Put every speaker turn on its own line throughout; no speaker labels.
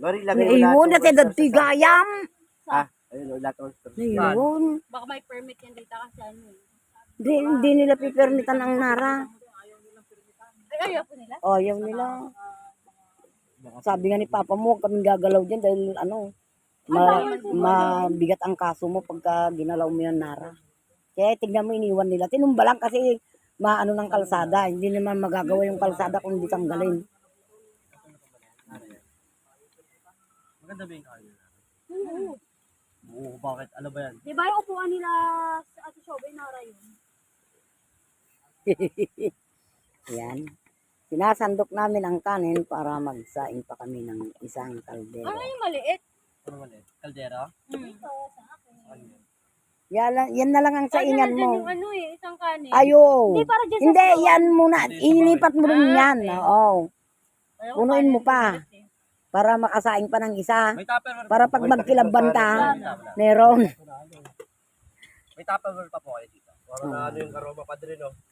Lori, lagay mo
Ayun,
lahat.
natin nagtigayam.
Ayun, lahat ng oyster.
Ayun.
Baka may permit yan dito kasi ano eh.
Hindi nila pipermitan ang Nara.
Ay, ayaw po nila?
Oh, ayaw nila. Sabi nga ni Papa mo, huwag kaming gagalaw dyan dahil mabigat ang kaso mo pagka ginalaw mo yung Nara. Kaya tignan mo, iniwan nila. Tinumba lang kasi maano ng kalsada. Hindi naman magagawa yung kalsada kung hindi tanggalin.
Maganda ba yung kayo?
Oo.
Oo, bakit? Ano ba yan?
Di ba yung upuan nila sa Ate Shobay Nara yun?
Yan. Sinasandok namin ang kanin para magsaing pa kami ng isang kaldero.
Ano yung maliit?
Ano ba yan? Kaldera?
Ito, sa akin.
Yan na lang ang saingan mo.
Yung ano eh, isang kanin.
Ayo.
Hindi, para dyan sa
Hindi,
floor.
yan muna. Ilipat mo rin yan. Oo.
Ayaw,
Punuin mo
kanin
pa.
maliit eh.
Para makasaing pa ng isa.
May tupperware
Para pag magkilabanta, meron.
May tupperware pa po kayo dito. Para na ano yung aroma pa din, no?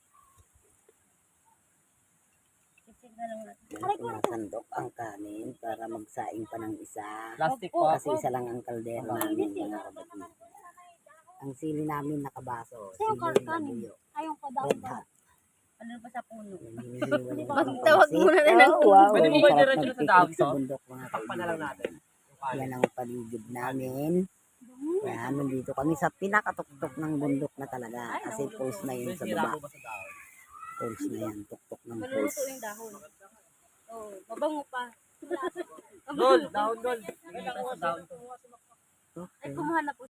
Sinasandok ang kanin para magsaing pa ng isa.
Plastic po.
Kasi isa lang ang kaldero namin, mga kapatid. Ang sili namin nakabaso. Sili labuyo.
Ayaw ko daw.
Red hot.
Ano pa sa puno?
Tawag
muna na ng
Pwede mo ba i-diretso na sa dahon to?
Sa bundok, mga
Takpan na lang natin.
Yan ang paligid namin. Kaya nandito kami sa pinakatuktok ng bundok na talaga. Kasi pulse na yun sa
Sira
baba.
po ba sa dahon?
Pulse na yan, tuktok ng
Maluluto
pulse.
yung dahon. Oh, mabango pa.
Dol, dahon, dol. Hindi sa dahon to.
Ay, kumuha na po.